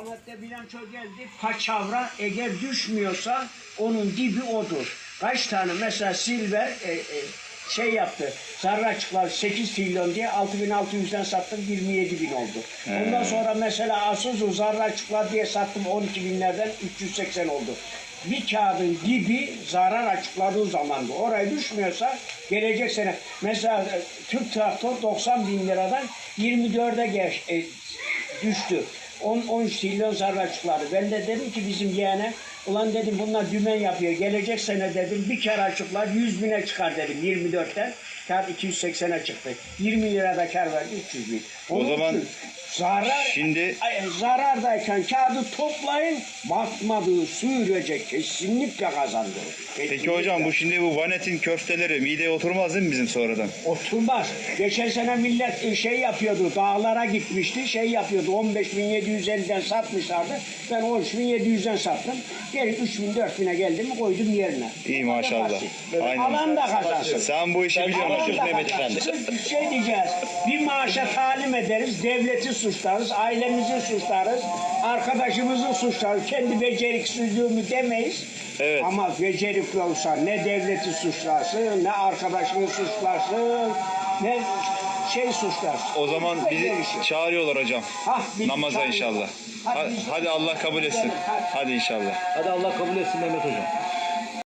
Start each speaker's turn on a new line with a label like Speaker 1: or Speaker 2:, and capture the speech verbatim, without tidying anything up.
Speaker 1: Ahmet'te bilanço geldi. Paçavra eğer düşmüyorsa onun dibi odur. Kaç tane mesela Silver e, e, şey yaptı. Sarraçıklar sekiz trilyon diye altı bin altı yüzden sattım, yirmi yedi bin oldu. He. Ondan sonra mesela Asuzu Sarraçıklar diye sattım, on iki binlerden üç yüz seksen oldu. Bir kağıdın dibi zarar açıkladığı zamandı. Oraya düşmüyorsa gelecek sene mesela Türk Traktör doksan bin liradan yirmi dörde geç, e, düştü. on on üç trilyon zarar açıkladı. Ben de dedim ki bizim yeğene, ulan dedim bunlar dümen yapıyor. Gelecek sene dedim bir kar açıklar yüz bine çıkar dedim yirmi dörtten. Kar iki yüz seksene çıktı. yirmi lirada kar verdi üç yüz bin. Onun
Speaker 2: o zaman
Speaker 1: zarar,
Speaker 2: şimdi
Speaker 1: zarardayken kağıdı toplayın, batmadığı sürece kesinlikle kazandırır. Kesinlikle.
Speaker 2: Peki hocam bu şimdi bu Vanet'in köfteleri mideye oturmaz değil mi bizim sonradan?
Speaker 1: Oturmaz. Geçen sene millet şey yapıyordu, dağlara gitmişti, şey yapıyordu, on beş bin yedi yüz elliden satmışlardı. Ben on üç bin yedi yüzden sattım. Geri üç bin dört bine geldim mi koydum yerine.
Speaker 2: İyi maşallah.
Speaker 1: Aynen. Alan da kazansın.
Speaker 2: Sen bu işi biliyorsun hocam.
Speaker 1: Mehmet Efendi. Bir şey diyeceğiz. Bir maaşa talim ederiz, devleti suçlarız, ailemizi suçlarız, arkadaşımızı suçlarız. Kendi beceriksizliğimi demeyiz.
Speaker 2: Evet.
Speaker 1: Ama becerikli olsa ne devleti suçlarsın, ne arkadaşını suçlarsın, ne şey suçlarsın.
Speaker 2: O zaman bizi çağırıyorlar hocam.
Speaker 1: Hah, bizi
Speaker 2: namaza
Speaker 1: çağırıyorlar.
Speaker 2: inşallah.
Speaker 1: Hadi,
Speaker 2: Hadi, hadi Allah kabul etsin.
Speaker 1: Hadi.
Speaker 2: Hadi inşallah.
Speaker 3: Hadi Allah kabul etsin Mehmet hocam.